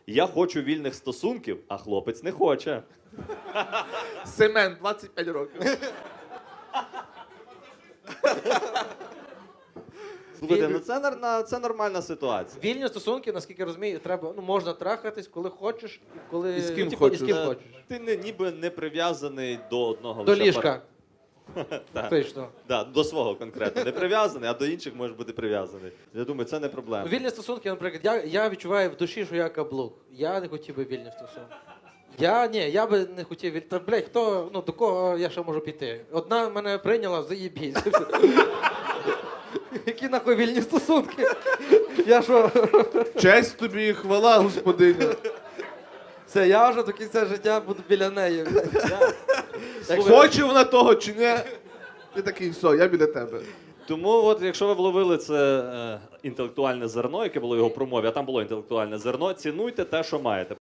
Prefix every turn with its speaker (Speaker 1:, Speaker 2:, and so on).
Speaker 1: Я хочу вільних стосунків, а хлопець не хоче.
Speaker 2: Семен, 25 років.
Speaker 1: Слухайте, ну це нормальна ситуація.
Speaker 3: Вільні стосунки, наскільки я розумію, треба, ну, можна трахатись, коли хочеш, і коли
Speaker 2: І з ким
Speaker 3: типу,
Speaker 2: хочеш.
Speaker 3: І з ким хочеш.
Speaker 1: Ти ніби не прив'язаний до одного
Speaker 3: До
Speaker 1: лише
Speaker 3: ліжка.
Speaker 1: Так.
Speaker 3: Точно.
Speaker 1: Да, до свого конкретно. Не прив'язаний, а до інших можеш бути прив'язаний. Я думаю, це не проблема.
Speaker 3: Вільні стосунки, наприклад, я відчуваю в душі, що я каблук. Я не хотів би вільні стосунки. Я би не хотів вільні. Та, блядь, хто, ну, до кого я ще можу піти? Одна мене прийняла, заєбісь. Які нахуй вільні стосунки? Я що?
Speaker 2: Честь тобі і хвала, господиня.
Speaker 3: Це я вже до кінця життя буду біля неї.
Speaker 2: Хоче вона того чи ні? Ти такий, все, я біля тебе.
Speaker 1: Тому, от, якщо ви вловили це інтелектуальне зерно, яке було в його промові, а там було інтелектуальне зерно, цінуйте те, що маєте.